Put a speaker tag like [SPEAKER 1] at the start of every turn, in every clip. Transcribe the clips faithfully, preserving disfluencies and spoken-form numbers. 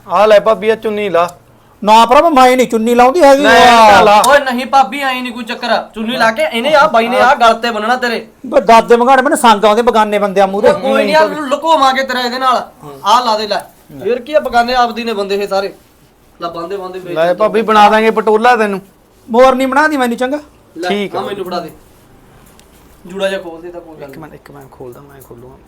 [SPEAKER 1] ਆ ਲੈ ਭਾਬੀ ਆ ਚੁੰਨੀ ਲਾ।
[SPEAKER 2] ਨਾ ਭਰਾ ਮੈਂ ਨਹੀਂ ਚੁੰਨੀ ਲਾਉਂਦੀ ਹੈਗੀ।
[SPEAKER 3] ਓਏ ਨਹੀਂ ਭਾਬੀ ਆਈ ਨਹੀਂ ਕੋਈ ਚੱਕਰ ਚੁੰਨੀ ਲਾ ਕੇ ਇਹਨੇ ਆ ਬਾਈ ਨੇ ਆ ਗਲ ਤੇ ਬੰਨਣਾ ਤੇਰੇ
[SPEAKER 2] ਦਾਦੇ ਮਗਾੜੇ ਮੈਨੂੰ ਸੰਗ ਆਉਂਦੇ ਬਗਾਨੇ ਬੰਦਿਆਂ ਮੂਹਰੇ।
[SPEAKER 3] ਕੋਈ ਨਹੀਂ ਯਾਰ ਲੁਕੋਵਾਂਗੇ ਤੇਰਾ ਇਹਦੇ ਨਾਲ ਆ ਲਾ ਦੇ ਲੈ ਫੇਰ ਕੀ ਆ ਬਗਾਨੇ ਆਪਦੀ ਨੇ ਬੰਦੇ ਇਹ ਸਾਰੇ ਲਾ ਬੰਦੇ ਬੰਦੇ ਵੇਚ
[SPEAKER 1] ਲੈ ਭਾਬੀ ਬਣਾ ਦਾਂਗੇ ਪਟੋਲਾ ਤੈਨੂੰ।
[SPEAKER 2] ਮੋਰ ਨਹੀਂ ਬਣਾਦੀ ਮੈਨੂੰ ਚੰਗਾ
[SPEAKER 1] ਠੀਕ
[SPEAKER 3] ਆ ਮੈਨੂੰ ਫੜਾ ਦੇ ਜੂੜਾ ਜਿਹਾ ਖੋਲ ਦੇ ਤਾਂ ਕੋਈ ਗੱਲ
[SPEAKER 1] ਇੱਕ ਮਿੰਟ ਇੱਕ ਮਿੰਟ ਖੋਲਦਾ ਮੈਂ ਖੋਲੂਗਾ।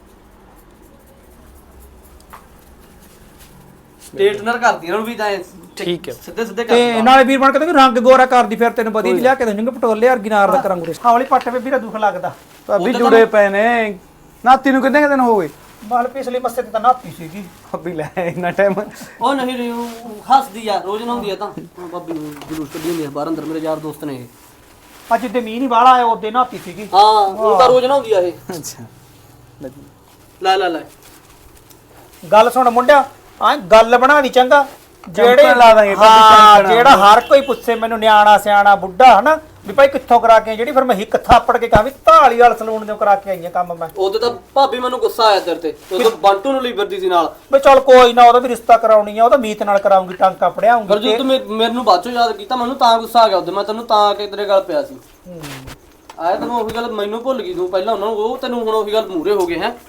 [SPEAKER 3] ਸਟੇਟਨਰ ਕਰਦੀ ਇਹਨਾਂ ਨੂੰ ਵੀ ਤਾਂ
[SPEAKER 1] ਠੀਕ ਹੈ
[SPEAKER 3] ਸਿੱਧੇ ਸਿੱਧੇ ਕਰ
[SPEAKER 2] ਤੇ ਨਾਲੇ ਵੀਰ ਬਣ ਕੇ ਵੀ ਰੰਗ ਗੋਰਾ ਕਰਦੀ ਫਿਰ ਤੈਨੂੰ ਵਧੀਆ ਲਿਆ ਕੇ ਦੇਣਗੇ ਪਟੋਲੇ ਵਰਗੀ ਨਾਰ ਦਾ ਕਰਾਂਗੇ। ਹੌਲੀ ਪੱਟ ਵੇ ਵੀਰਾ ਦੁੱਖ ਲੱਗਦਾ
[SPEAKER 1] ਭਾਬੀ ਜੁੜੇ ਪਏ ਨੇ। ਨਾਤੀ ਨੂੰ ਕਿੰਨੇ ਦਿਨ ਹੋ ਗਏ?
[SPEAKER 2] ਬਾਲ ਪਿਛਲੇ ਮੱਸੇ ਤੇ ਤਾਂ ਨਾਤੀ ਸੀਗੀ।
[SPEAKER 1] ਭਾਬੀ ਲੈ ਇੰਨਾ ਟਾਈਮ
[SPEAKER 3] ਉਹ ਨਹੀਂ ਨਹੀਂ ਉਹ ਹੱਸਦੀ ਆ ਰੋਜ਼ ਨਹਾਉਂਦੀ ਆ ਤਾਂ ਭਾਬੀ ਨੂੰ ਜਲੂਸ ਕੱਢੀ ਹੁੰਦੀ ਆ ਬਾਹਰ ਅੰਦਰ ਮੇਰੇ ਯਾਰ ਦੋਸਤ ਨੇ ਇਹ
[SPEAKER 2] ਅੱਜ ਤੇ ਮੀਂਹ ਨਹੀਂ ਬਾਹਲਾ ਆਇਆ ਉਹਦੇ ਨਾਤੀ ਸੀਗੀ।
[SPEAKER 3] ਹਾਂ ਉਹ ਤਾਂ ਰੋਜ਼ ਨਹਾਉਂਦੀ ਆ ਇਹ।
[SPEAKER 1] ਅੱਛਾ
[SPEAKER 3] ਲੈ ਲੈ ਲੈ
[SPEAKER 2] ਗੱਲ ਸੁਣ ਮੁੰਡਿਆ ਆ ਗੱਲ ਬਣਾ ਦੀ ਚੰਗਾ ਜਿਹੜੇ
[SPEAKER 1] ਲਾ ਦਾਂਗੇ
[SPEAKER 2] ਹਾਂ ਜਿਹੜਾ ਹਰ ਕੋਈ ਪੁੱਛੇ ਮੈਨੂੰ ਨਿਆਣਾ ਸਿਆਣਾ ਬੁੱਢਾ ਹਨਾ ਵੀ ਭਾਈ ਕਿੱਥੋਂ ਕਰਾ ਕੇ ਜਿਹੜੀ ਫਿਰ ਮੈਂ ਹਿੱਕ ਥਾਪੜ ਕੇ ਕਹਾਂ ਵੀ ਢਾਲੀ ਵਾਲ ਸਲੂਨ ਦੇ ਕਰਾ ਕੇ ਆਈਆਂ ਕੰਮ ਮੈਂ।
[SPEAKER 3] ਉਹਦੇ ਤਾਂ ਭਾਬੀ ਮੈਨੂੰ ਗੁੱਸਾ ਆਇਆ ਤੇਰੇ ਤੇ ਉਹ ਬੰਟੂ ਨੂੰ ਲਈ ਫਿਰਦੀ ਸੀ ਨਾਲ
[SPEAKER 2] ਵੀ ਚੱਲ ਕੋਈ ਨਾ ਉਹਦਾ ਵੀ ਰਿਸ਼ਤਾ ਕਰਾਉਣੀ ਆ ਉਹਦਾ ਮੀਤ ਨਾਲ ਕਰਾਉਂਗੀ ਟਾਂਕਾ ਪੜਿਆਉਂਗੀ।
[SPEAKER 3] ਫਿਰ ਜੇ ਤੂੰ ਮੈਨੂੰ ਬਾਅਦ ਚੋਂ ਯਾਦ ਕੀਤਾ ਮੈਨੂੰ ਤਾਂ ਗੁੱਸਾ ਆ ਗਿਆ ਉਹਦੇ ਮੈਂ ਤੈਨੂੰ ਤਾਂ ਆ ਕੇ ਤੇਰੇ ਗੱਲ ਪਿਆ ਸੀ ਆਇਆ ਤੈਨੂੰ ਉਹੀ ਗੱਲ ਮੈਨੂੰ ਭੁੱਲ ਗਈ ਤੂੰ ਪਹਿਲਾਂ ਉਹਨਾਂ ਨੂੰ ਉਹ ਤੈਨੂੰ ਹੁਣ ਉਹੀ ਗੱਲ ਮੂਰੇ ਹੋ ਗਏ ਹੈ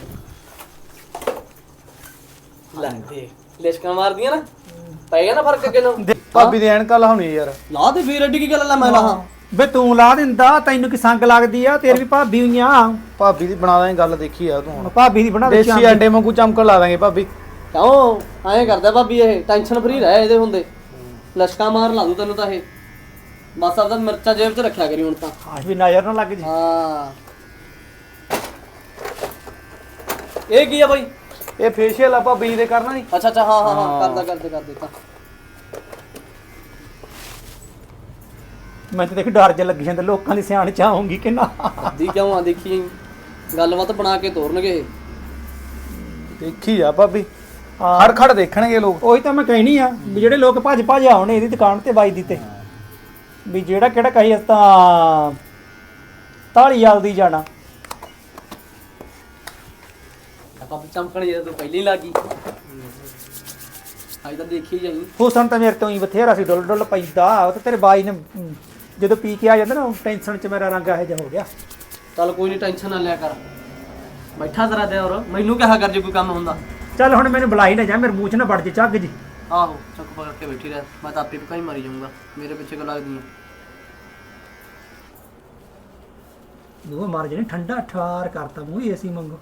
[SPEAKER 3] ਲੈ ਦੇ ਲਿਸ਼ਕਾਂ ਮਾਰਦੀਆਂ ਨਾ ਪੈ ਗਿਆ ਨਾ ਫਰਕ ਅੱਗੇ ਨੂੰ।
[SPEAKER 1] ਭਾਬੀ ਦੀ ਐਨਕਾਂ ਲਾਉਣੀ ਯਾਰ।
[SPEAKER 3] ਲਾ ਦੇ ਫੇਰ ਐਡੀ ਕੀ ਗੱਲ ਲੈ ਮੈਂ ਲਾਹਾਂ
[SPEAKER 2] ਵੇ ਤੂੰ ਲਾ ਦਿੰਦਾ ਤੈਨੂੰ ਕੀ ਸੰਗ ਲੱਗਦੀ ਆ ਤੇਰੀ ਵੀ ਭਾਬੀ ਹੋਈਆਂ।
[SPEAKER 1] ਭਾਬੀ ਦੀ ਬਣਾ ਦਾਂਗੇ ਗੱਲ ਦੇਖੀ ਆ ਤੂੰ ਹੁਣ।
[SPEAKER 2] ਭਾਬੀ ਦੀ ਬਣਾ ਦੇ
[SPEAKER 1] ਦੇਸੀ ਅੰਡੇ ਵਾਂਗੂ ਚਮਕਣ ਲਾ ਦਾਂਗੇ ਭਾਬੀ।
[SPEAKER 3] ਕਿਉਂ ਐਂ ਕਰਦਾ ਭਾਬੀ ਇਹ ਟੈਨਸ਼ਨ ਫਰੀ ਰਹਿ ਇਹਦੇ ਹੁੰਦੇ ਲਸ਼ਕਾ ਮਾਰ ਲਾ ਦੂ ਤੈਨੂੰ ਤਾਂ ਇਹ ਬਸ ਆਪਦਾ ਮਿਰਚਾਂ ਜੇਬ 'ਚ ਰੱਖਿਆ ਕਰੀ ਹੁਣ ਤਾਂ
[SPEAKER 2] ਆਹ ਵੀ ਨਜ਼ਰ ਨਾ ਲੱਗ ਜੀ।
[SPEAKER 3] ਹਾਂ ਇਹ ਕੀ ਆ ਬਾਈ?
[SPEAKER 1] ਇਹ ਫੇਸ਼ੀਅਲ ਆਪਾਂ ਬੀਜ ਦੇ ਕਰਨਾ ਨਹੀਂ।
[SPEAKER 3] ਅੱਛਾ ਅੱਛਾ ਹਾਂ ਹਾਂ ਹਾਂ ਕਰਦਾ ਕਰਦੇ ਕਰ ਦਿੱਤਾ
[SPEAKER 2] ਮੈਂ ਤਾਂ ਦੇਖ ਡਰ ਜਿਹਾ ਲੱਗੀ ਜਾਂਦਾ ਲੋਕਾਂ ਦੀ ਸਿਆਣ ਚ ਆਉਂਗੀ ਕਿ ਨਾ।
[SPEAKER 3] ਦੀ ਕਿਉਂ ਆ ਦੇਖੀ ਗੱਲਬਾਤ ਬਣਾ ਕੇ ਤੋਰਨਗੇ ਇਹ
[SPEAKER 1] ਦੇਖੀ ਆ ਭਾਬੀ ਖੜ ਖੜ ਦੇਖਣਗੇ ਲੋਕ।
[SPEAKER 2] ਉਹੀ ਤਾਂ ਮੈਂ ਕਹਿਣੀ ਆ ਵੀ ਜਿਹੜੇ ਲੋਕ ਭੱਜ ਭੱਜ ਆਉਣੇ ਇਹਦੀ ਦੁਕਾਨ ਤੇ ਬਾਈ ਦੀ ਤੇ ਵੀ ਜਿਹੜਾ ਕਿਹੜਾ ਕਹੀ ਅਸ ਤਾਂ ਤਾਲੀ ਜਲਦੀ ਜਾਣਾ
[SPEAKER 3] ਆਪਾਂ ਚਮਕਣ ਜੇ ਤੂੰ ਪਹਿਲਾਂ ਹੀ ਲੱਗੀ ਅੱਜ ਤਾਂ ਦੇਖੀ ਜਾਈ
[SPEAKER 2] ਹੁਸਨ ਤਾਂ ਮੇਰੇ ਤੋਂ ਹੀ ਬਥੇਰਾ ਸੀ ਡੁੱਲ ਡੁੱਲ ਪੈਂਦਾ ਉਹ ਤਾਂ ਤੇਰੇ ਬਾਈ ਨੇ ਜਦੋਂ ਪੀ ਕੇ ਆ ਜਾਂਦਾ ਨਾ ਟੈਨਸ਼ਨ ਚ ਮੇਰਾ ਰੰਗ ਇਹੋ ਜਿਹਾ ਹੋ ਗਿਆ।
[SPEAKER 3] ਚੱਲ ਕੋਈ ਨਹੀਂ ਟੈਨਸ਼ਨ ਨਾ ਲਿਆ ਕਰ ਬੈਠਾ ਜ਼ਰਾ ਦੇ ਔਰ ਮੈਨੂੰ ਕਿਹਾ ਕਰ ਜੇ ਕੋਈ ਕੰਮ ਹੁੰਦਾ।
[SPEAKER 2] ਚੱਲ ਹੁਣ ਮੈਨੂੰ ਬੁਲਾਈ ਨਾ ਜਾ ਮੇਰੇ ਮੂੰਹ ਚ ਨਾ ਵੜ ਜੇ ਝੱਗ ਜੀ।
[SPEAKER 3] ਆਹੋ ਚੱਕ ਪਕੜ ਕੇ ਬੈਠੀ ਰਹਿ ਮੈਂ ਤਾਂ ਆਪੇ ਪਕਾਈ ਮਾਰੀ ਜਾਊਂਗਾ ਮੇਰੇ ਪਿੱਛੇ ਕੋ ਲੱਗਦੀ
[SPEAKER 2] ਉਹ ਮਾਰ ਜਣੇ ਠੰਡਾ ਠਾਰ ਕਰਤਾ ਮੂੰਹ ਏਸੀ ਮੰਗੋ।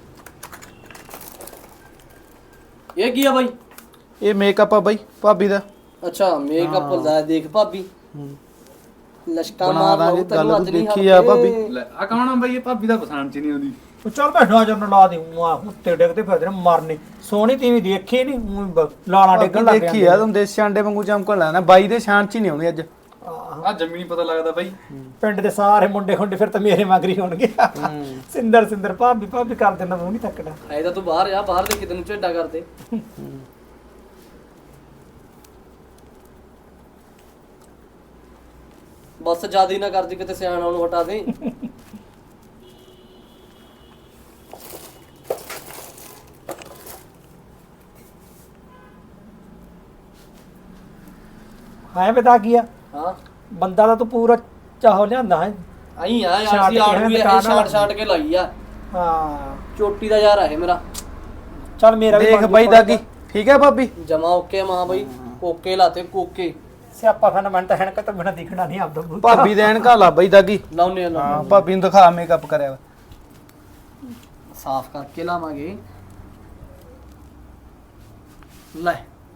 [SPEAKER 3] ਇਹ ਕੀ ਆ ਬਾਈ?
[SPEAKER 1] ਇਹ ਮੇਕਅਪ ਆ ਬਾਈ ਭਾਬੀ ਦਾ।
[SPEAKER 3] ਅੱਛਾ ਮੇਕਅਪ ਦਾ ਦੇਖ ਭਾਬੀ ਲਸ਼ਕਾ
[SPEAKER 1] ਬਣਾ
[SPEAKER 3] ਮਾਰ
[SPEAKER 1] ਦਾਂਗੇ
[SPEAKER 3] ਲਓ ਤੈਨੂੰ
[SPEAKER 1] ਗੱਲ
[SPEAKER 3] ਅੱਜ ਨਹੀਂ
[SPEAKER 1] ਦੇਖੀ ਆ ਭਾਬੀ।
[SPEAKER 4] ਲੈ ਆ ਕੌਣ ਆ ਬਈ ਇਹ ਭਾਬੀ ਦਾ ਪਛਾਣ ਚ ਨਹੀਂ ਆਉਂਦੀ।
[SPEAKER 2] ਉਹ ਚੱਲ ਮੈਂ ਨਜ਼ਰ ਨਾ ਲਾ ਦੇ ਆ ਉੱਤੇ ਡਿੱਗਦੇ ਫਿਰਦੇ ਨੇ ਮਰਨੇ ਸੋਹਣੀ ਤੀਵੀਂ ਦੇਖੀ ਨਹੀਂ ਲਾਲਾਂ ਡਿੱਗਣ ਲੱਗ
[SPEAKER 1] ਦੇਖੀ ਆ ਤੂੰ ਦੇਸੀ ਅੰਡੇ ਵਾਂਗੂ ਚਮਕਣ ਲੈਣਾ ਬਾਈ ਦੇ ਸ਼ਾਨ ਚ ਹੀ ਨਹੀਂ ਆਉਣੀ ਅੱਜ।
[SPEAKER 4] ਆ ਜੰਮੀ ਨਹੀਂ ਪਤਾ ਲੱਗਦਾ ਬਾਈ।
[SPEAKER 2] ਪਿੰਡ ਦੇ ਸਾਰੇ ਮੁੰਡੇ ਖੁੰਡੇ ਫਿਰ ਤਾਂ ਮੇਰੇ ਮਗਰੀ ਹੋਣਗੇ। ਸਿੰਦਰ ਸਿੰਦਰ ਭਾਬੀ ਭਾਬੀ ਕਰ ਦੇਣਾ ਮੂੰਹ ਨਹੀਂ ਥੱਕਣਾ।
[SPEAKER 3] ਐ ਤਾਂ ਤੂੰ ਬਾਹਰ ਆ ਬਾਹਰ ਦੇ ਕਿਤੇ ਨੂੰ ਝੇਡਾ ਕਰਦੇ ਬਸ ਜਿਆਦਾ ਹੀ ਨਾ ਕਰਦੀ ਕਿਤੇ ਸਿਆਣਾ ਉਹਨੂੰ ਹਟਾ ਦੇ।
[SPEAKER 2] ਹਾਂ ਬਤਾ ਕੀ ਆ
[SPEAKER 3] ਹਾਂ
[SPEAKER 2] ਬੰਦਾ ਤਾਂ ਤੂੰ ਪੂਰਾ ਚਾਹੋ ਲਿਆਂਦਾ ਹੈ।
[SPEAKER 3] ਆਈ ਆ ਯਾਰ ਸੀ ਆੜ ਵੀ ਇਹ ਛਾਟ ਛਾਟ ਕੇ ਲਾਈ ਆ
[SPEAKER 2] ਹਾਂ
[SPEAKER 3] ਚੋਟੀ ਦਾ ਯਾਰ ਹੈ ਮੇਰਾ।
[SPEAKER 2] ਚੱਲ ਮੇਰਾ ਵੀ
[SPEAKER 1] ਦੇਖ ਬਾਈ ਦਾਗੀ ਠੀਕ ਹੈ ਭਾਬੀ
[SPEAKER 3] ਜਮਾ ਓਕੇ ਮਾਂ ਬਾਈ ਕੋਕੇ ਲਾਤੇ ਕੋਕੇ
[SPEAKER 2] ਸਿਆਪਾ ਖਾਨਾ ਮੈਂ ਤਾਂ ਹੈਨਕ ਤਾਂ ਬਿਨਾ ਦਿਖਣਾ ਨਹੀਂ ਆਪਦਾ ਮੂੰਹ।
[SPEAKER 1] ਭਾਬੀ ਦੇ ਐਨਕਾਂ ਲਾ ਬਾਈ ਦਾਗੀ।
[SPEAKER 3] ਲਾਉਨੇ ਆ
[SPEAKER 1] ਹਾਂ ਭਾਬੀ ਨੂੰ ਦਿਖਾ ਮੇਕਅਪ ਕਰਿਆ ਵਾ।
[SPEAKER 3] ਸਾਫ਼ ਕਰਕੇ ਲਾਵਾਂਗੇ ਲੈ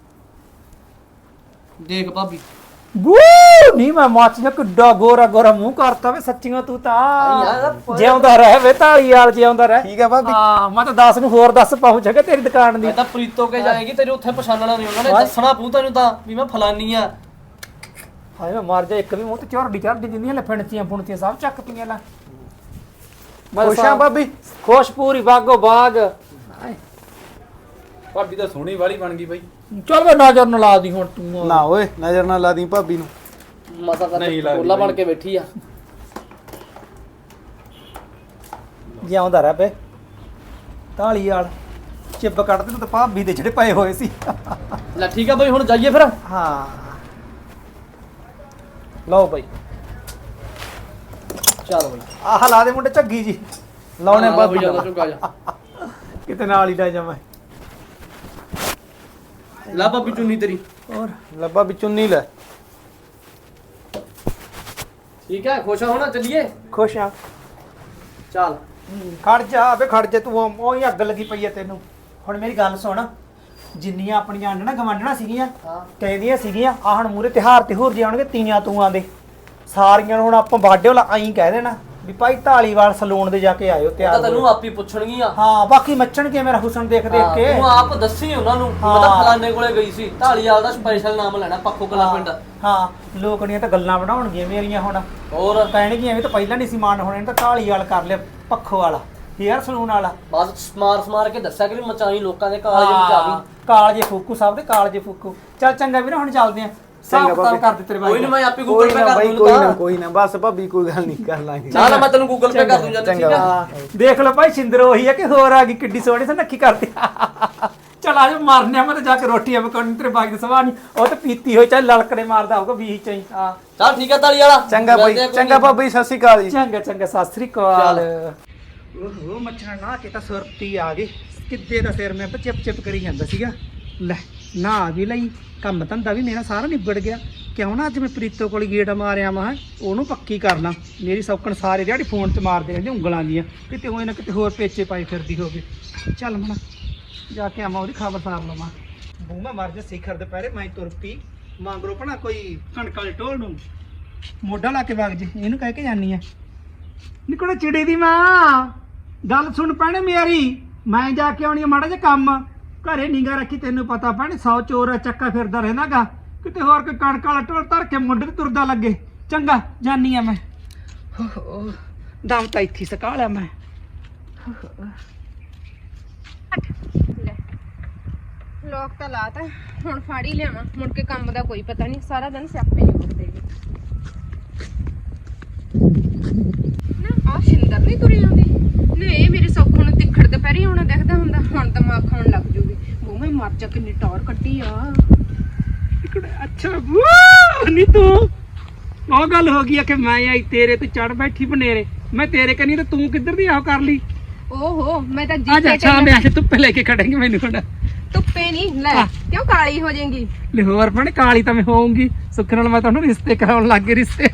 [SPEAKER 3] ਦੇਖ ਭਾਬੀ
[SPEAKER 2] ਬੂ ਨਹੀਂ ਮੈਂ ਮੱਚ ਜਾ ਕਿੱਡਾ ਗੋਰਾ ਗੋਰਾ ਮੂੰਹ ਕਰਤਾ ਵੇ ਸੱਚੀਆਂ ਤੂੰ ਤਾਂ ਜਿਉਂਦਾ ਰਹਿ ਵੇ ਢਾਲੀ ਵਾਲ ਜਿਉਂਦਾ ਰਹਿ।
[SPEAKER 1] ਠੀਕ ਹੈ ਭਾਬੀ।
[SPEAKER 2] ਹਾਂ ਮੈਂ ਤਾਂ ਦਸ ਨੂੰ ਹੋਰ ਦੱਸ ਪਹੁੰਚਾਂਗਾ ਤੇਰੀ ਦੁਕਾਨ ਦੀ।
[SPEAKER 3] ਮੈਂ ਤਾਂ ਪ੍ਰੀਤੋ ਕੇ ਜਾਏਗੀ ਤੇਰੇ ਉੱਥੇ ਪਛਾਣਨਾ ਨਹੀਂ ਉਹਨਾਂ ਨੇ ਦੱਸਣਾ ਪਊ ਤੈਨੂੰ ਤਾਂ ਵੀ ਮੈਂ ਫਲਾਨੀ ਆ।
[SPEAKER 2] ਹਾਏ ਮੈਂ ਮਰ ਜਾ ਇੱਕ ਵੀ ਮੂੰਹ ਤੇ ਝੋਰਡੀ ਚੜਦੀ ਜਿੰਨੀਆਂ ਲੈ ਫਿਣਤੀਆਂ ਫੁਣਤੀਆਂ ਸਭ ਚੱਕਤੀਆਂ ਲੈ।
[SPEAKER 1] ਖੁਸ਼ ਆ ਭਾਬੀ?
[SPEAKER 2] ਖੁਸ਼ ਪੂਰੀ ਬਾਗੋ ਬਾਗ।
[SPEAKER 4] ਭਾਬੀ ਤਾਂ ਸੋਹਣੀ ਵਾਲੀ ਬਣ ਗਈ ਬਾਈ।
[SPEAKER 2] ਚੱਲ ਵੇ ਨਜ਼ਰ ਨਾ ਲਾ ਦੀ ਹੁਣ ਤੂੰ।
[SPEAKER 1] ਨਾ ਓਏ ਨਜ਼ਰ ਨਾ ਲਾ ਦੀ ਭਾਬੀ ਨੂੰ।
[SPEAKER 3] ਮਸਾ ਕਰ
[SPEAKER 4] ਨਹੀਂ ਲੱਗਦੀ
[SPEAKER 3] ਕੋਲਾ ਬਣ ਕੇ ਬੈਠੀ ਆ।
[SPEAKER 2] ਜਿਉਂਦਾ ਰਹਿ ਬੇ ਢਾਲੀ ਵਾਲ ਚਿੱਬ ਕੱਢਦੇ ਨੂੰ ਤਾਂ ਭਾਬੀ ਦੇ ਜਿਹੜੇ ਪਏ ਹੋਏ ਸੀ।
[SPEAKER 3] ਲੈ ਠੀਕ ਆ ਬਈ ਹੁਣ ਜਾਈਏ ਫਿਰ।
[SPEAKER 1] ਹਾਂ ਲਓ ਬਈ
[SPEAKER 3] ਚੱਲ ਬਈ
[SPEAKER 1] ਆਹ ਲਾ ਦੇ ਮੁੰਡੇ ਝੱਗੀ ਜੀ ਲਾਉਣੇ ਭਾਬੀ
[SPEAKER 3] ਜਾਂਦਾ
[SPEAKER 1] ਦਾ
[SPEAKER 3] ਚੁੱਕਾ ਜਾ।
[SPEAKER 1] ਕਿਤੇ ਨਾਲ ਹੀ ਲੈ ਜਾਵਾਂ
[SPEAKER 3] ਲੈ ਭਾਬੀ ਚੁੰਨੀ ਤੇਰੀ।
[SPEAKER 1] ਹੋਰ ਲੱਭਾ ਵੀ ਚੁੰਨੀ ਲੈ
[SPEAKER 3] ਠੀਕ ਹੈ ਖੁਸ਼ ਹੋਣਾ ਚੱਲੀਏ।
[SPEAKER 1] ਖੁਸ਼ ਆ
[SPEAKER 3] ਚੱਲ
[SPEAKER 1] ਖੜ ਜਾ ਵੇ ਖੜ ਜਾ ਤੂੰ ਉਹੀ ਅੱਗ ਲੱਗੀ ਪਈ ਐ ਤੈਨੂੰ। ਹੁਣ ਮੇਰੀ ਗੱਲ ਸੁਣ ਜਿੰਨੀਆਂ ਆਪਣੀਆਂ ਆਂਡਣਾ ਗਵਾਂਢਣਾ ਸੀਗੀਆਂ
[SPEAKER 3] ਹਾਂ
[SPEAKER 1] ਕਹਿੰਦੀਆਂ ਸੀਗੀਆਂ ਆਹ ਹੁਣ ਮੂਰੇ ਤਿਉਹਾਰ ਤੇ ਹੋਰ ਜਾਣਗੇ ਤੀਆਂ ਤੂਆਂ ਦੇ ਸਾਰੀਆਂ ਨੂੰ ਹੁਣ ਆਪਾਂ ਬਾਡੇ ਵਾਲਾ ਐਂ ਕਹਿ ਦੇਣਾ ਵੀ ਭਾਈ ਢਾਲੀਵਾਲ ਸਲੂਨ ਦੇ ਜਾ ਕੇ ਆਇਓ
[SPEAKER 3] ਤਾਂ
[SPEAKER 1] ਤਿਆਰ
[SPEAKER 3] ਤੈਨੂੰ
[SPEAKER 1] ਹੋਇਓ।
[SPEAKER 3] ਆਪੀ ਪੁੱਛਣਗੀਆਂ।
[SPEAKER 1] ਹਾਂ ਬਾਕੀ ਮੱਚਣਗੇ ਮੇਰਾ ਹੁਸਨ ਦੇਖ ਦੇਖ
[SPEAKER 3] ਹਾਂ,
[SPEAKER 1] ਕੇ
[SPEAKER 3] ਤੂੰ ਆਪ ਦੱਸੀ ਉਹਨਾਂ ਨੂੰ ਮੈਂ ਤਾਂ
[SPEAKER 1] ਹਾਂ।
[SPEAKER 3] ਫਲਾਣੇ ਕੋਲੇ ਗਈ ਸੀ ਢਾਲੀਵਾਲ ਦਾ ਸਪੈਸ਼ਲ ਨਾਮ ਲੈਣਾ ਪੱਖੋ ਕਲਾ ਪਿੰਡ।
[SPEAKER 1] ਹਾਂ ਲੋਕਣੀਆਂ ਤਾਂ ਗੱਲਾਂ ਬਣਾਉਣਗੀਆਂ ਮੇਰੀਆਂ ਹੁਣ
[SPEAKER 3] ਹੋਰ
[SPEAKER 1] ਕਹਿਣਗੀਆਂ ਐਵੇਂ ਤਾਂ ਪਹਿਲਾਂ ਨਹੀਂ ਸੀ ਮਾਨ ਹੋਣੇ ਤਾਂ ਢਾਲੀਵਾਲ ਕਰ ਲਿਆ ਪੱਖੋ ਵਾਲਾ ਹੇਅਰ ਸਲੂਨ ਵਾਲਾ
[SPEAKER 3] ਬਸ ਸਮਾਰ ਸਮਾਰ ਕੇ ਦੱਸਿਆ ਕਿ ਮਚਾਈ ਲੋਕਾਂ ਦੇ ਕਾਲਜ ਵਿੱਚ ਆ ਗਈ।
[SPEAKER 1] ਕਾਲਜੇ ਫੂਕੂ ਸਭ ਦੇ ਕਾਲਜੇ ਫੂਕੂ ਚੱਲ ਚੰਗਾ ਵੀਰ ਹੁਣ ਚੱਲਦੇ ਆਂ ਸਾਫ ਕਿਤਾਬ ਕਰ ਦੇ ਤੇਰੇ ਬਾਈ
[SPEAKER 3] ਕੋਈ ਨਹੀਂ ਮੈਂ ਆਪੇ
[SPEAKER 1] ਕੋਈ
[SPEAKER 3] ਗੂਗਲ ਪੇ
[SPEAKER 1] ਨਾ
[SPEAKER 3] ਕਰ
[SPEAKER 1] ਬਾਈ
[SPEAKER 3] ਦੂੰ
[SPEAKER 1] ਕੋਈ ਨਾ ਕੋਈ ਨਾ ਬਸ ਭਾਬੀ ਕੋਈ ਗੱਲ ਨਹੀਂ ਕਰ ਲਾਂਗੇ
[SPEAKER 3] ਨਾ ਨਾ ਮੈਂ ਤੈਨੂੰ ਗੂਗਲ ਪੇ ਕਰ ਦੂੰ ਜਦ ਠੀਕ ਆ।
[SPEAKER 1] ਹਾਂ, ਦੇਖ ਲਓ ਭਾਈ ਸਿੰਦਰ ਉਹੀ ਹੈ ਕਿ ਹੋਰ ਆ ਗਈ ਕਿੱਡੀ ਸੋਹਣੀ ਸੀ ਨੱਕੀ ਕਰਦੀ ਚਲ ਆ ਜਾ ਮਾਰਨੇ ਆ ਮੈਂ ਤਾਂ ਜਾ ਕੇ ਰੋਟੀਆਂ ਪਕਾਉਣੀ ਤੇਰੇ ਬਾਈ ਦੀ ਸਵਾਹ ਨਹੀਂ ਉਹ ਤਾਂ ਪੀਤੀ ਹੋਈ ਚੱਲ ਲਲਕੜੇ ਮਾਰਦਾ ਹੋਊਗਾ ਵੀਹ ਚ ਹੀ ਹਾਂ
[SPEAKER 3] ਚੱਲ ਠੀਕ ਆ ਢਾਲੀ ਵਾਲਾ
[SPEAKER 1] ਚੰਗਾ ਬਾਈ
[SPEAKER 3] ਮਿਲਦੇ ਆ ਕੋਈ
[SPEAKER 1] ਚੰਗਾ
[SPEAKER 3] ਨੀ।
[SPEAKER 1] ਭਾਬੀ ਸਤਿ ਸ਼੍ਰੀ ਅਕਾਲ ਜੀ
[SPEAKER 2] ਚੰਗਾ ਚੰਗਾ ਸਤਿ ਸ੍ਰੀ ਅਕਾਲ।
[SPEAKER 1] ਓਹੋ ਮੱਛਣਾ ਨਾ ਕਿ ਤਾਂ ਸੁਰਤੀ ਆ ਗਈ ਕਿੱਦੇ ਦਾ ਸਿਰ ਮੈਂ ਚਿਪ ਚਿਪ ਕਰੀ ਜਾਂਦਾ ਸੀਗਾ ਲੈ ਨਾ ਵੀ ਲਈ ਕੰਮ ਧੰਦਾ ਵੀ ਮੇਰਾ ਸਾਰਾ ਨਿਬੜ ਗਿਆ ਕਿਉਂ ਨਾ ਅੱਜ ਮੈਂ ਪ੍ਰੀਤੋ ਕੋਲ ਗੇੜਾ ਮਾਰਿਆ ਮੈਂ ਉਹਨੂੰ ਪੱਕੀ ਕਰਨਾ ਮੇਰੀ ਸੌਕਣ ਸਾਰੇ ਦਿਹਾੜੀ ਫੋਨ 'ਚ ਮਾਰਦੇ ਰਹਿੰਦੇ ਉਂਗਲਾਂ ਦੀਆਂ ਕਿਤੇ ਹੋਏ ਨਾ ਕਿਤੇ ਹੋਰ ਪੇਚੇ ਪਾਈ ਫਿਰਦੀ ਹੋਵੇ ਚੱਲ ਮਣਾ ਜਾ ਕੇ ਆਵਾਂ ਉਹਦੀ ਖਬਰ ਸਾਰ ਲਵਾਂ ਬੂਮਾ ਮਰ ਜਾ ਸਿਖਰ ਦੁਪਹਿਰੇ ਮੈਂ ਤੁਰ ਪਈ ਮੰਗਰੋ ਭਣਾ ਕੋਈ ਕਣਕ ਵਾਲੇ ਢੋਲ ਨੂੰ ਮੋਢਾ ਲਾ ਕੇ ਵਗ ਜੇ ਇਹਨੂੰ ਕਹਿ ਕੇ ਜਾਨੀ ਆ ਨਿਕੜਾ ਚਿੜੀ ਦੀ ਮਾਂ ਗੱਲ ਸੁਣ ਪੈਣੇ ਮੇਰੀ ਮੈਂ ਜਾ ਕੇ ਆਉਣੀ ਆ ਮਾੜਾ ਜਿਹਾ ਕੰਮ ਘਰੇ ਨਿਗਾ ਰੱਖੀ ਤੈਨੂੰ ਪਤਾ ਪੈਣੇ ਸੌ ਚੋਰ ਚੱਕਾ ਫਿਰਦਾ ਰਹਿੰਦਾਗਾ ਕਿਤੇ ਹੋਰ ਕੋਈ ਕਣਕ ਵਾਲਾ ਢੋਲ ਧਰ ਕੇ ਮੁੰਡੇ ਤੇ ਤੁਰਦਾ ਲੱਗੇ ਚੰਗਾ ਜਾਨੀ ਆ ਮੈਂ ਦਮ ਤਾਂ ਇੱਥੇ ਸਕਾ ਲਿਆ ਮੈਂ
[SPEAKER 5] ਲੋਕ ਤਾਂ ਲਾਤਾ ਹੁਣ ਫੜ ਹੀ ਲਿਆਵਾਂ ਮੁੜ ਕੇ ਕੰਮ ਦਾ ਕੋਈ ਪਤਾ ਨਹੀਂ ਸਾਰਾ ਦਿਨ ਸਿਆਪੇ ਨਹੀਂ ਮੁੱਕਦੇਗੇ ਨਾ ਆ ਸ਼ਿੰਦਰ ਨਹੀਂ ਤੁਰੀ ਆਉਂਦੀ ਨਾ ਇਹ ਮੇਰੇ ਸੌਖੋਂ ਨੂੰ ਤਿੱਖੜ ਦੁਪਹਿਰੇ ਆਉਣਾ ਦਿਖਦਾ ਹੁੰਦਾ ਹੁਣ ਤਾਂ ਮਾਂ ਖਾਣ ਲੱਗ ਜੂਗੀ ਉਹ ਮੈਂ ਮਰ ਜਾ ਕਿੰਨੀ ਟੌਰ ਕੱਢੀ ਆ
[SPEAKER 2] ਅੱਛਾ ਵਾਹ ਨੀ ਤੂੰ ਉਹ ਗੱਲ ਹੋ ਗਈ ਆ ਕਿ ਮੈਂ ਆਈ ਤੇਰੇ ਤੇ ਚੜ ਬੈਠੀ ਬਨੇਰੇ ਮੈਂ ਤੇਰੇ ਕਨੀ ਤੇ ਤੂੰ ਕਿੱਧਰ ਦੀ ਆਹ ਕਰ ਲਈ
[SPEAKER 5] ਓਹੋ ਮੈਂ ਤਾਂ
[SPEAKER 2] ਆ ਜਾ
[SPEAKER 5] ਜੀਤੇ
[SPEAKER 2] ਸ਼ਾਮ ਆ ਕੇ ਧੁੱਪੇ ਲੈ ਕੇ ਖੜेंगे ਮੈਨੂੰ ਹੁਣ
[SPEAKER 5] ਧੁੱਪੇ ਨਹੀਂ ਲੈ ਕਿਉਂ ਕਾਲੀ ਹੋ ਜਾਏਗੀ
[SPEAKER 2] ਲਾਹੌਰ ਪਣ ਕਾਲੀ ਤਾਂ ਮੈਂ ਹੋਊਂਗੀ ਸੁੱਖ ਨਾਲ ਮੈਂ ਤੁਹਾਨੂੰ ਰਿਸ਼ਤੇ ਕਰਾਉਣ ਲੱਗ ਗਈ ਰਿਸ਼ਤੇ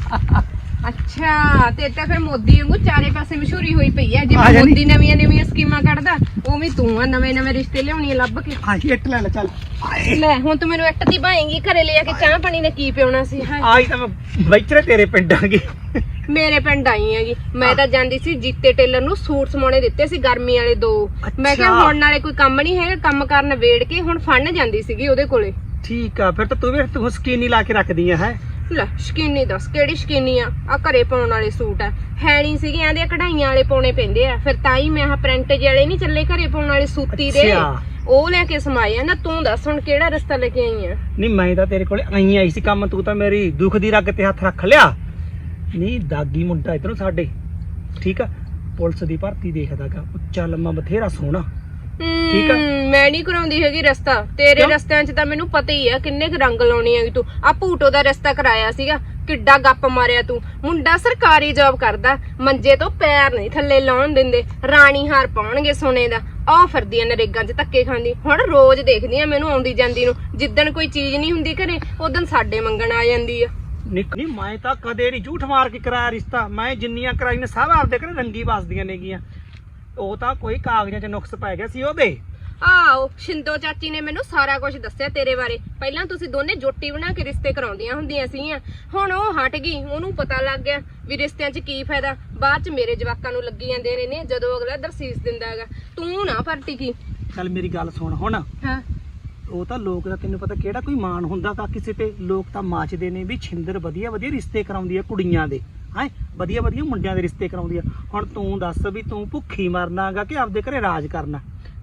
[SPEAKER 5] ਅੱਛਾ ਤੇ ਤਾਂ ਫਿਰ ਮੋਦੀ ਵਾਂਗੂ ਚਾਰੇ ਪਾਸੇ ਮਸ਼ਹੂਰੀ ਹੋਈ ਪਈ ਹੈ
[SPEAKER 2] ਆ
[SPEAKER 5] ਜਿਵੇਂ
[SPEAKER 2] ਜਾਣੀ।
[SPEAKER 5] ਮੋਦੀ ਨਵੀਆਂ ਨਵੀਆਂ ਸਕੀਮਾਂ ਕੱਢਦਾ ਉਵੇਂ ਤੂੰ ਆ ਨਵੇਂ ਨਵੇਂ ਰਿਸ਼ਤੇ ਲਿਆਉਣੀ ਲੱਭ ਕੇ
[SPEAKER 2] ਹਾਂ ਇੱਟ ਲੈ ਲੈ ਚੱਲ
[SPEAKER 5] ਲੈ ਹੁਣ ਤੂੰ ਮੈਨੂੰ ਇੱਟ ਦੀ ਭਾਏਂਗੀ ਘਰੇ ਲੈ ਕੇ ਚਾਹ ਪਾਣੀ ਨੇ ਕੀ ਪਿਉਣਾ ਸੀ ਹਾਏ
[SPEAKER 2] ਆਈ ਤਾਂ ਮੈਂ ਬੈਚਰੇ ਤੇਰੇ ਪਿੰਡ ਆ ਗਈ
[SPEAKER 5] ਮੇਰੇ ਪਿੰਡ ਆਈ ਹੈਗੀ ਮੈਂ ਤਾਂ ਜਾਂਦੀ ਸੀ ਜੀਤੇ ਟੇਲਰ ਨੂੰ ਸੂਟ ਸਮਾਉਣੇ ਦਿੱਤੇ ਸੀ ਗਰਮੀ ਵਾਲੇ ਦੋ ਮੈਂ ਕਿਹਾ
[SPEAKER 2] ਅੱਛਾ।
[SPEAKER 5] ਹੁਣ ਨਾਲੇ ਕੋਈ ਕੰਮ ਨਹੀਂ ਹੈਗਾ ਕੰਮ ਕਰਨ ਵੇੜ ਕੇ ਹੁਣ ਫੜਨ ਜਾਂਦੀ ਸੀਗੀ ਉਹਦੇ ਕੋਲੇ
[SPEAKER 2] ਠੀਕ ਆ ਫਿਰ ਤਾਂ ਤੂੰ ਵੀ ਤੂੰ ਸਕੀਨੀ ਲਾ ਕੇ ਰੱਖਦੀ ਆ ਹੈ
[SPEAKER 5] ਲੈ ਸ਼ਕੀਨੀ ਦੱਸ ਕਿਹੜੀ ਸ਼ਕੀਨੀ ਆ ਆ ਘਰੇ ਪਾਉਣ ਵਾਲੇ ਸੂਟ ਆ ਹੈ ਨਹੀਂ ਸੀਗੇ ਆਂਦੇ ਕਢਾਈਆਂ ਵਾਲੇ ਪਾਉਣੇ ਪੈਂਦੇ ਆ ਫਿਰ ਤਾਂ ਹੀ ਮੈਂ ਆਹ ਪ੍ਰਿੰਟ ਵਾਲੇ ਨਹੀਂ ਚੱਲੇ ਘਰੇ ਪਾਉਣ ਵਾਲੇ ਸੂਤੀ ਦੇ
[SPEAKER 2] ਅੱਛਾ।
[SPEAKER 5] ਉਹ ਲੈ ਕੇ ਸਮਾਏ ਆ ਨਾ ਤੂੰ ਦੱਸ ਹੁਣ ਕਿਹੜਾ ਰਸਤਾ ਲੈ ਕੇ ਆਈ ਆ
[SPEAKER 2] ਨਹੀਂ ਮੈਂ ਤਾਂ ਤੇਰੇ ਕੋਲੇ ਆਈ ਆਈ ਸੀ ਕੰਮ ਤੂੰ ਤਾਂ ਮੇਰੀ ਦੁੱਖ ਦੀ ਰੱਗ ਤੇ ਹੱਥ ਰੱਖ ਲਿਆ ਨਹੀਂ ਦਾਗੀ ਮੁੰਡਾ ਇਧਰੋਂ ਸਾਡੇ ਠੀਕ ਆ ਪੁਲਿਸ ਦੀ ਭਰਤੀ ਦੇਖਦਾਗਾ ਉੱਚਾ ਲੰਮਾ ਬਥੇਰਾ ਸੋਹਣਾ ਠੀਕ ਆ।
[SPEAKER 5] ਹਮ, ਮੈਂ ਨਹੀਂ ਕਰਾਉਂਦੀ ਹੈਗੀ ਰਸਤਾ ਤੇਰੇ
[SPEAKER 2] ਕਿਉਂ?
[SPEAKER 5] ਰਸਤਿਆਂ 'ਚ ਤਾਂ ਮੈਨੂੰ ਪਤਾ ਹੀ ਆ ਕਿੰਨੇ ਕੁ ਰੰਗ ਲਾਉਣੀ ਹੈਗੀ ਤੂੰ ਆ ਭੂਟੋ ਦਾ ਰਸਤਾ ਕਰਾਇਆ ਸੀਗਾ ਕਿੱਡਾ ਗੱਪ ਮਾਰਿਆ ਤੂੰ ਮੁੰਡਾ ਸਰਕਾਰੀ ਜੌਬ ਕਰਦਾ ਮੰਜੇ ਤੋਂ ਪੈਰ ਨਹੀਂ ਥੱਲੇ ਲਾਉਣ ਦਿੰਦੇ ਰਾਣੀ ਹਾਰ ਪਾਉਣਗੇ ਸੋਨੇ ਦਾ ਆਹ ਫਿਰਦੀ ਆ ਨਰੇਗਾ 'ਚ ਧੱਕੇ ਖਾਂਦੀ ਹੁਣ ਰੋਜ਼ ਦੇਖਦੀ ਆ ਮੈਨੂੰ ਆਉਂਦੀ ਜਾਂਦੀ ਨੂੰ ਜਿੱਦਣ ਕੋਈ ਚੀਜ਼ ਨਹੀਂ ਹੁੰਦੀ ਘਰੇ ਉਦੋਂ ਸਾਡੇ ਮੰਗਣ ਆ ਜਾਂਦੀ ਆ
[SPEAKER 2] ਨਿਕ ਨਹੀਂ ਮੈਂ ਤਾਂ ਕਦੇ ਨਹੀਂ ਝੂਠ ਮਾਰ ਕੇ ਕਰਾਇਆ ਰਿਸ਼ਤਾ ਮੈਂ ਜਿੰਨੀਆਂ ਕਰਾਈ ਨੇ ਸਭ ਆਪਦੇ ਘਰੇ ਰੰਗੀ ਵਸਦੀਆਂ ਨੇਗੀਆਂ ਉਹ ਤਾਂ ਕੋਈ ਕਾਗਜ਼ਾਂ 'ਚ ਨੁਕਸ ਪੈ ਗਿਆ ਸੀ ਉਹਦੇ
[SPEAKER 5] ਆਓ ਸ਼ਿੰਦੋ ਚਾਚੀ ਨੇ ਮੈਨੂੰ ਸਾਰਾ ਕੁਝ ਦੱਸਿਆ ਤੇਰੇ ਬਾਰੇ ਪਹਿਲਾਂ ਤੁਸੀਂ ਦੋਨੇ ਜੋਟੀ ਬਣਾ ਕੇ ਰਿਸ਼ਤੇ ਕਰਾਉਂਦੀਆਂ ਹੁੰਦੀਆਂ ਸੀਗੀਆਂ ਹੁਣ ਉਹ ਹਟ ਗਈ ਉਹਨੂੰ ਪਤਾ ਲੱਗ ਗਿਆ ਵੀ ਰਿਸ਼ਤਿਆਂ 'ਚ ਕੀ ਫਾਇਦਾ ਬਾਅਦ 'ਚ ਮੇਰੇ ਜਵਾਕਾਂ ਨੂੰ ਲੱਗੀ ਜਾਂਦੇ ਨੇ ਨੇ ਜਦੋਂ ਅਗਲਾ ਦਰਸੀਸ ਦਿੰਦਾ ਹੈਗਾ ਤੂੰ ਨਾ ਪਰਟੀ ਕੀ
[SPEAKER 2] ਚੱਲ ਮੇਰੀ ਗੱਲ ਸੁਣ ਹੁਣ
[SPEAKER 5] ਹਾਂ
[SPEAKER 2] ਉਹ ਤਾਂ ਲੋਕ ਦਾ ਤੈਨੂੰ ਪਤਾ ਕਿਹੜਾ ਕੋਈ ਮਾਣ ਹੁੰਦਾ ਤਾਂ ਕਿਸੇ ਤੇ ਲੋਕ ਤਾਂ ਮਾਚਦੇ ਨੇ ਵੀ ਛਿੰਦਰ ਵਧੀਆ ਵਧੀਆ ਰਿਸ਼ਤੇ ਕਰਾਉਂਦੀ ਆ ਕੁੜੀਆਂ ਦੇ ਹੈ ਵਧੀਆ ਵਧੀਆ ਮੁੰਡਿਆਂ ਦੇ ਰਿਸ਼ਤੇ ਕਰਾਉਂਦੀ ਆ ਹੁਣ ਤੂੰ ਦੱਸ ਵੀ ਤੂੰ ਭੁੱਖੀ ਮਰਨਾਗਾ ਕਿ ਆਪਦੇ ਘਰੇ ਰਾਜ ਕਰਨਾ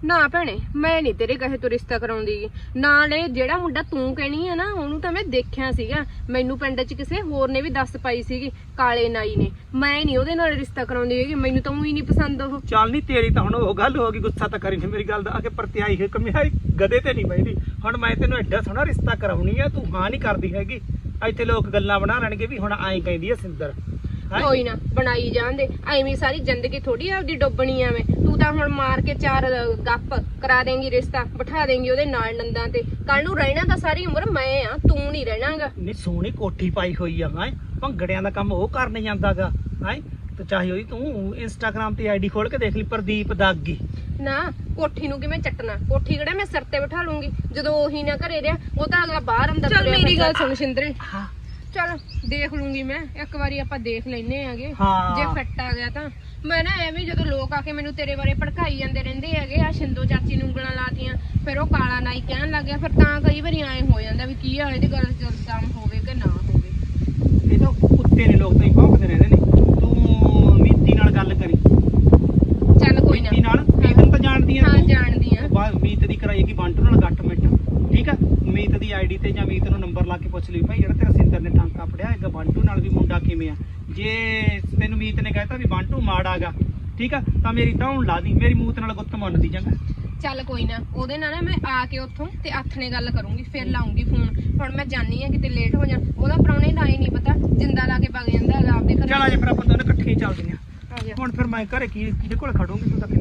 [SPEAKER 5] ਨਾ ਭੈਣੇ ਮੈਂ ਨਹੀਂ ਤੇਰੇ ਕਹੇ ਤੋਂ ਰਿਸ਼ਤਾ ਕਰਾਉਂਦੀ ਗੀ। ਨਾਲੇ ਜਿਹੜਾ ਮੁੰਡਾ ਤੂੰ ਕਹਿਣੀ ਆ ਨਾ ਉਹਨੂੰ ਤਾਂ ਮੈਂ ਦੇਖਿਆ ਸੀਗਾ, ਮੈਨੂੰ ਪਿੰਡ 'ਚ ਕਿਸੇ ਹੋਰ ਨੇ ਵੀ ਦੱਸ ਪਾਈ ਸੀਗੀ, ਕਾਲੇ ਨਾਈ ਨੇ। ਮੈਂ ਨਹੀਂ ਉਹਦੇ ਨਾਲ ਰਿਸ਼ਤਾ ਕਰਾਉਂਦੀ ਹੈਗੀ, ਮੈਨੂੰ ਤਾਂ ਉਹੀ ਨਹੀਂ ਪਸੰਦ ਉਹ।
[SPEAKER 2] ਚੱਲ ਨਹੀਂ ਤੇਰੀ ਤਾਂ ਹੁਣ ਉਹ ਗੱਲ ਹੋ ਗਈ, ਗੁੱਸਾ ਤਾਂ ਕਰੀ ਨਹੀਂ ਮੇਰੀ ਗੱਲ ਦਾ, ਆ ਕੇ ਪਰਤਿਆਈ ਹੈ ਕਮਿਆਈ ਗਦੇ ਤੇ ਨਹੀਂ ਬੈਠੀ। ਹੁਣ ਮੈਂ ਤੈਨੂੰ ਐਡਾ ਸੋਹਣਾ ਰਿਸ਼ਤਾ ਕਰਾਉਣੀ ਆ, ਤੂੰ ਹਾਂ ਨਹੀਂ ਕਰਦੀ ਹੈਗੀ। ਇੱਥੇ ਲੋਕ ਗੱਲਾਂ ਬਣਾ ਲੈਣਗੇ ਵੀ ਹੁਣ ਐਂ ਕਹਿੰਦੀ ਆ ਸਿੰਦਰ। ਹੈਂ?
[SPEAKER 5] ਕੋਈ ਨਾ ਬਣਾਈ ਜਾਂਦੇ, ਐਵੇਂ ਸਾਰੀ ਜ਼ਿੰਦਗੀ ਥੋੜੀ ਆਪਦੀ ਡੁੱਬਣੀ ਐਵੇਂ। ਤੂੰ ਤਾਂ ਹੁਣ ਮਾਰ ਕੇ ਚਾਰ ਗੱਪ ਕਰਾ ਦੇਂਗੀ, ਰਿਸ਼ਤਾ ਬਿਠਾ ਦੇਂਗੀ ਉਹਦੇ ਨਾਲ ਨੰਦਾਂ ਤੇ। ਕੱਲ ਨੂੰ ਰਹਿਣਾ ਤਾਂ ਸਾਰੀ ਉਮਰ ਮੈਂ ਆ, ਤੂੰ ਨਹੀਂ ਰਹਿਣਾਗਾ।
[SPEAKER 2] ਨਹੀਂ ਸੋਹਣੀ ਕੋਠੀ ਪਾਈ ਹੋਈ ਆ, ਹੈ ਭੰਗੜਿਆਂ ਦਾ ਕੰਮ ਉਹ ਕਰਨ ਜਾਂਦਾਗਾ। ਹੈ ਤੇ ਚਾਹੇ ਉਹਦੀ ਤੂੰ ਇੰਸਟਾਗ੍ਰਾਮ ਤੇ ਆਈਡੀ ਖੋਲ ਕੇ ਦੇਖ ਲਈ, ਪ੍ਰਦੀਪ ਦਾਗੀ।
[SPEAKER 5] ਨਾ ਕੋਠੀ ਨੂੰ ਕਿਵੇਂ ਚੱਟਣਾ, ਕੋਠੀ ਕਿਹੜਾ ਮੈਂ ਸਿਰ ਤੇ ਬਿਠਾ ਲੂੰਗੀ ਜਦੋਂ ਉਹੀ ਨਾ ਘਰੇ ਰਿਹਾ। ਉਹ ਤਾਂ ਅਗਲਾ ਬਾਹਰ ਅੰਦਰ ਚੱਲ ਮੇਰੀ ਗੱਲ ਸੁਣ ਸ਼ਿੰਦਰੇ,
[SPEAKER 2] ਹਾਂ
[SPEAKER 5] ਚੱਲ ਦੇਖ ਲੂੰਗੀ ਮੈਂ, ਇੱਕ ਵਾਰੀ ਆਪਾਂ ਦੇਖ ਲੈਨੇ ਆਗੇ,
[SPEAKER 2] ਹਾਂ।
[SPEAKER 5] ਜੇ ਫਿੱਟ ਆ ਗਿਆ ਤਾਂ। ਮੈਂ ਨਾ ਐਵੇਂ ਜਦੋਂ ਲੋਕ ਆ ਕੇ ਮੈਨੂੰ ਤੇਰੇ ਬਾਰੇ ਭੜਕਾਈ ਜਾਂਦੇ ਰਹਿੰਦੇ ਹੈਗੇ, ਆ ਸ਼ਿੰਦੋ ਚਾਚੀ ਨੂੰ ਉਂਗਲਾਂ ਲਾਤੀਆਂ, ਫਿਰ ਉਹ ਕਾਲਾ ਨਾਈ ਕਹਿਣ ਲੱਗ ਗਿਆ, ਫਿਰ ਤਾਂ ਕਈ ਵਾਰੀ ਐਂ ਹੋ ਜਾਂਦਾ ਵੀ ਕੀ ਆ ਇਹਦੀ ਗੱਲ ਜਲਦਮ ਹੋਵੇ ਕਿ ਨਾ ਹੋਵੇ।
[SPEAKER 2] ਇਹ ਤਾਂ ਕੁੱਤੇ ਨੇ, ਲੋਕ ਤਾਂ ਹੀ ਭੌਂਕਦੇ ਰਹਿੰਦੇ ਨੇ। ਤੂੰ ਮੀਤੀ ਨਾਲ ਗੱਲ ਕਰੀ,
[SPEAKER 5] ਚੱਲ ਕੋਈ ਨਾ।
[SPEAKER 2] ਮੀਤੀ ਨਾਲ ਮੀਤ ਤਾਂ ਜਾਣਦੀ ਆ
[SPEAKER 5] ਹਾਂ
[SPEAKER 2] ਤੂੰ?
[SPEAKER 5] ਜਾਣਦੀ ਆ।
[SPEAKER 2] ਬਾ- ਮੀਤ ਦੀ ਕਰਾਈਏਗੀ ਬੰਟੂ ਨਾਲ ਗੱਟ ਮਿੰਟ, ਠੀਕ ਆ। ਮੀਤ ਦੀ ਆਈਡੀ ਤੇ ਜਾਂ ਮੀਤ ਨੂੰ ਨੰਬਰ ਲਾ ਕੇ ਪੁੱਛ ਲਈ, ਭਾਈ ਜਿਹੜਾ ਤੇਰਾ ਸਿੰਦਰ ਨੇ ਟਾਂਕਾ ਫੜਿਆ ਹੈਗਾ ਬੰਟੂ ਨਾਲ ਵੀ ਮੁੰਡਾ ਕਿਵੇਂ ਆ। ਜੇ ਤੈਨੂੰ ਮੀਤ ਨੇ ਕਹਿਤਾ ਵੀ ਬੰਟੂ ਮਾੜਾਗਾ, ਠੀਕ ਆ, ਤਾਂ ਮੇਰੀ ਧੌਣ ਲਾ ਦੀ, ਮੇਰੀ ਮੂਤ ਨਾਲ ਗੁੱਤ ਮੰਨਦੀ ਜਾਂਗਾ।
[SPEAKER 5] ਚੱਲ ਕੋਈ ਨਾ, ਉਹਦੇ ਨਾਲ ਨਾ ਮੈਂ ਆ ਕੇ ਉੱਥੋਂ ਤੇ ਆਥਣੇ ਗੱਲ ਕਰੂੰਗੀ, ਫਿਰ ਲਾਉਂਗੀ ਫੋਨ। ਹੁਣ ਮੈਂ ਜਾਣੀ ਆ ਕਿਤੇ ਲੇਟ ਹੋ ਜਾ, ਉਹਦਾ ਪ੍ਰਾਹੁਣੇ ਦਾ ਹੀ ਨਹੀਂ ਪਤਾ, ਜਿੰਦਾ ਲਾ ਕੇ ਵਗ ਜਾਂਦਾ ਹੈਗਾ ਆਪਦੇ ਘਰ।
[SPEAKER 2] ਚੱਲ ਆ ਜਾ ਫਿਰ ਆਪਾਂ ਦੋਨੇ ਇਕੱਠੇ ਹੀ ਚੱਲਦੇ ਆ।
[SPEAKER 5] ਆ ਜਾ।
[SPEAKER 2] ਹੁਣ ਫਿਰ ਮੈਂ ਘਰੇ ਕੀ ਕਿਹਦੇ ਕੋਲ ਖੜੂੰਗੀ, ਤੂੰ ਤਾਂ